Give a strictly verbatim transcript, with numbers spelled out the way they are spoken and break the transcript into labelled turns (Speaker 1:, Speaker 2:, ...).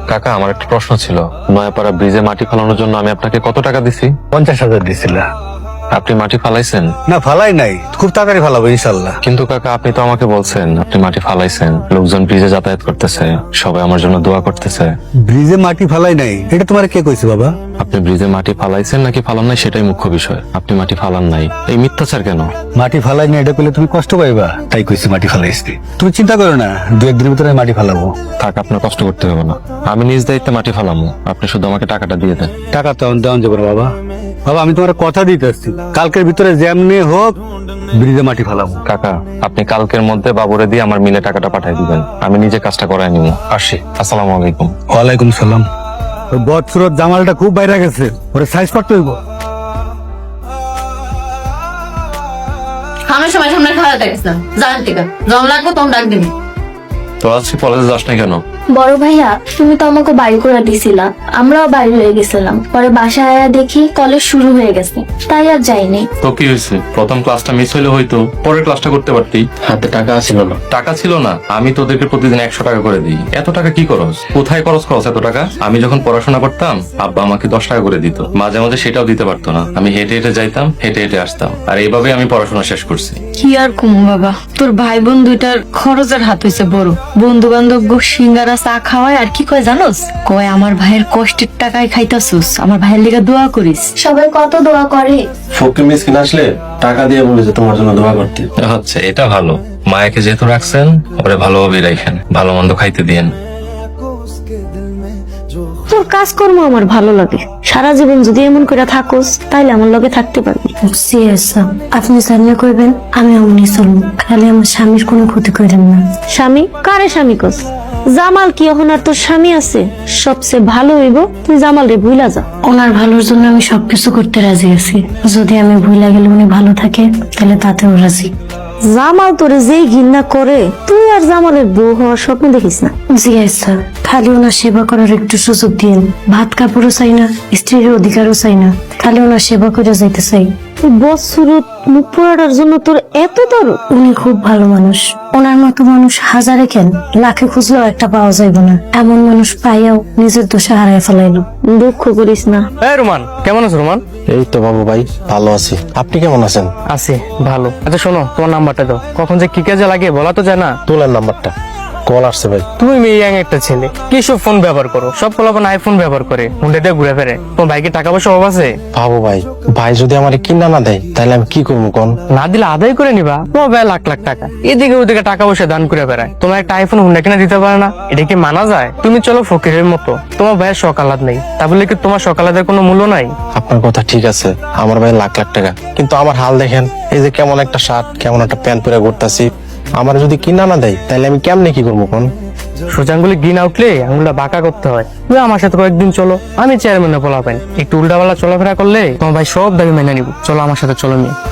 Speaker 1: কাকা, আমার একটা প্রশ্ন ছিল। নয়াপাড়া ব্রিজে মাটি ফালানোর জন্য আমি আপনাকে কত টাকা দিছি?
Speaker 2: পঞ্চাশ হাজার দিছিল।
Speaker 1: আপনি মাটি ফালাইছেন?
Speaker 2: না, ফালাই নাই, খুব তাড়াতাড়ি ফালাবো ইনশাল্লাহ।
Speaker 1: কিন্তু কাকা, আপনি তো আমাকে বলছেন আপনি মাটি ফালাইছেন, লোকজন ব্রিজে যাতায়াত করতেছে, সবাই আমার জন্য দোয়া করতেছে।
Speaker 2: ব্রিজে মাটি ফালাই নাই, এটা তোমার কে কইছে বাবা?
Speaker 1: আপনি ব্রিজে মাটি ফালাইছেন নাকি ফালান নাই সেটাই মুখ্য বিষয়। আপনি মাটি ফালান নাই, এই মিথ্যাচার কেন?
Speaker 2: মাটি ফালাই না এটা পেলে তুমি কষ্ট পাইবা, তাই কইছি মাটি ফালাইছি। তুমি চিন্তা করো না, দু একদিনের ভিতরে মাটি ফালাবো।
Speaker 1: থাক, আপনার কষ্ট করতে হবে না, আমি নিজ দায়িত্বে মাটি ফালামো। আপনি শুধু আমাকে টাকাটা দিয়ে দেন।
Speaker 2: টাকা তো দেওয়া যাবে না বাবা। বাবা, আমি তোমার কথা দিতে আসছি, কালকের ভিতরে যেমনি হোক ব্রিজে মাটি ফালাবো।
Speaker 1: কাকা, আপনি কালকের মধ্যে বাবুরে দিয়ে আমার মিলে টাকাটা পাঠাই দিবেন, আমি নিজে কাজটা করাই নিব। আসি, আসসালামু আলাইকুম।
Speaker 2: ওয়ালাইকুম সালাম। ওই বদসুরত জামালটা খুব বাইরে গেছে, ওরে সাইজ করতে হইব।
Speaker 3: আমার সময় সামনে খাওয়া দেখছিলাম, জান টিকা জম লাগবো তখন ডাক দিবি।
Speaker 1: তো আজকে কলেজে যাস না কেন?
Speaker 4: বড় ভাইয়া, তুমি তো আমাকে বাড়ি করে দিছিলা, আমরাও বাড়ি হয়ে গেছিলাম। পরে বাসায় আয়া দেখি কলেজ শুরু হয়ে গেছে, তাই আর যাইনি।
Speaker 1: তো কি হয়েছে? প্রথম ক্লাসটা মিস হইলে হয়তো পরের ক্লাসটা করতে পারতি। হাতে টাকা ছিল না। টাকা ছিল না? আমি তোদেরকে প্রতিদিন একশো টাকা করে দিই। এত টাকা কি করস? কোথায় খরচ করস এত টাকা? আমি যখন পড়াশোনা করতাম আব্বা আমাকে দশ টাকা করে দিত, মাঝে মাঝে সেটাও দিতে পারতো না। আমি হেঁটে হেঁটে যাইতাম, হেঁটে হেঁটে আসতাম, আর এইভাবে আমি পড়াশোনা শেষ করছি।
Speaker 3: কি আর কমু বাবা, তোর ভাই বোন দুইটার খরচের হাত হইছে বড়। বন্ধু বান্ধব গো সিঙ্গারা চা খাওয়ায়, আর কি কয় জানোস? কয় আমার ভাইয়ের কষ্টের টাকায় খাইতাছুস, আমার ভাইয়ের লিগা দোয়া করিস।
Speaker 4: সবাই কত দোয়া করে।
Speaker 5: ফকির মিসকিন আসলে টাকা দিয়ে বলেছে তোমার জন্য দোয়া করতে।
Speaker 1: আচ্ছা, এটা ভালো। মায়াকে যেহেতু রাখছেন, ওরে ভালোভাবে রাখেন, ভালো মন্দ খাইতে দিয়েন।
Speaker 4: তোর কাজকর্ম আমার ভালো লাগে, সারা জীবন যদি এমন করে থাকোস তাইলে আমার লগে থাকতে পারবি। আপনি সামনে করবেন, আমি অমনি চলবো, খালি আমার স্বামীর কোনো ক্ষতি করেন না। স্বামী কারে স্বামী কস? জামাল কি এখন আর তোর স্বামী আছে? সবচেয়ে ভালো হইব তুই জামাল রে ভুলা যা। ওনার ভালোর জন্য আমি সবকিছু করতে রাজি আছি, যদি আমি ভুলা গেলে উনি ভালো থাকে তাহলে তাতেও রাজি। জামাল তোরে যেই ঘৃণা করে, তুই আর জামালের বউ হওয়ার স্বপ্ন দেখিস না। জি আচ্ছা, খালি ওনার সেবা করার একটু সুযোগ দিন। ভাত কাপড়ও চাই না, স্ত্রীর অধিকারও চাই না, খালি ওনার সেবা করে যাইতে চাই। বৎসুরত মুখ পোড়াটার জন্য তোর এত দরদ? উনি খুব ভালো মানুষ, ওনার মতো মানুষ হাজারে কেন লাখে খুঁজলেও একটা পাওয়া যাইব না। এমন মানুষ পাইয়াও নিজের দোষে হারায় ফেলাইলো। দুঃখ করিস না।
Speaker 6: এই রোমান, কেমন আছো রোমান?
Speaker 5: এই তো বাবু ভাই, ভালো আছি। আপনি কেমন আছেন?
Speaker 6: আছি ভালো। আচ্ছা শোনো, তোমার নাম্বারটা দাও, কখন যে কি কাজে লাগে বলা তো যায় না।
Speaker 5: তোলেন নাম্বারটা, কল আসছে ভাই।
Speaker 6: তুমি মেয়ে ইয়াং একটা ছেলে, কি সব ফোন ব্যবহার করো? সব পোলাপান আইফোন ব্যবহার করে, হুন্ডা দিয়ে ঘুরে ফেরে। তোমার ভাইকে টাকা পয়সা অভাব আছে?
Speaker 5: বাবু ভাই, ভাই যদি আমার কিনা না দেয় তাহলে আমি কি করবো কোন?
Speaker 6: না দিলে আদায় করে নিবা। তোমার ভাই লাখ লাখ টাকা এদিকে ওদিকে টাকা পয়সা দান করে বেড়ায়, তোমার একটা আইফোন হুন্ডা কিনা দিতে পারে না? এটা কি মানা যায়? তুমি চলো ফকিরের মতো, তোমার ভাইয়ের সকালাত নেই, তা বলে কি তোমার সকালাতের কোনো মূল্য নাই?
Speaker 5: আপনার কথা ঠিক আছে, আমার ভাই লাখ লাখ টাকা, কিন্তু আমার হাল দেখেন, এই যে কেমন একটা শার্ট কেমন একটা প্যান্ট পরে ঘুরতাছি, আমার যদি কিনা না দেয় তাহলে আমি কেমনে কি করবো কোন?
Speaker 6: সোজা আঙ্গুলি গিন আউটলে আঙ্গুলটা বাঁকা করতে হয়। তুমি আমার সাথে কয়েকদিন চলো, আমি চেয়ারম্যানে পোলাপেন, একটু উল্টাপাল্টা চলাফেরা করলে তোমার ভাই সব দাবি মেনে নিব। চলো আমার সাথে, চলো মেয়ে।